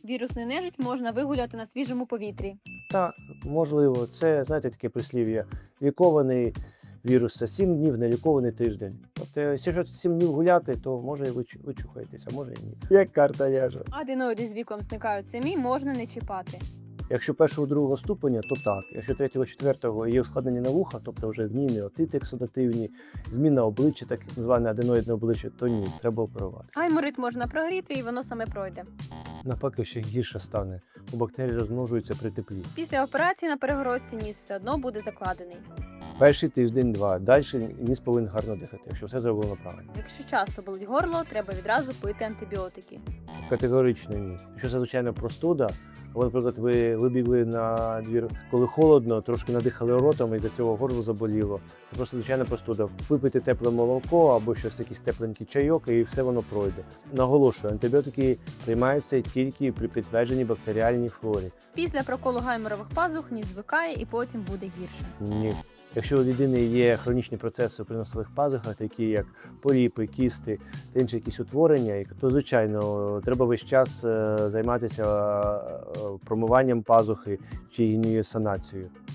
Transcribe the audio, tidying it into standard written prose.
Вірусну нежить можна вигуляти на свіжому повітрі. Так, можливо, це, знаєте, таке прислів'я. Лікований вірус це 7 днів, нелікований тиждень. Тобто, якщо 7 днів гуляти, то може і ви чухаєтесь, а може і ні. Як карта ляже. Аденоїди з віком зникають самі, можна не чіпати. Якщо першого, другого ступеня, то так. Якщо третього, четвертого є ускладнення на вуха, тобто вже гнійні отити ексудативні, зміна обличчя, так зване аденоїдне обличчя, то ні, треба оперувати. Гайморит можна прогріти і воно саме пройде. Навпаки, ще гірше стане, бо бактерії розмножуються при теплі. Після операції на перегородці ніс все одно буде закладений. Перший тиждень-два, далі ніс повинен гарно дихати, якщо все зроблено правильно. Якщо часто болить горло, треба відразу пити антибіотики. Категорично ні. Якщо це, звичайно, простуда, або, наприклад, ви вибігли на двір, коли холодно, трошки надихали ротом і за цього горло заболіло. Це просто звичайна простуда. Випийте тепле молоко або щось якийсь тепленький чайок, і все воно пройде. Наголошую, антибіотики приймаються тільки при підтвердженій бактеріальній флорі. Після проколу гайморових пазух ніс звикає і потім буде гірше. Ні. Якщо у людини є хронічні процеси при носових пазухах, такі як поліпи, кісти та інші якісь утворення, то, звичайно, треба весь час займатися промиванням пазухи чи її санацією.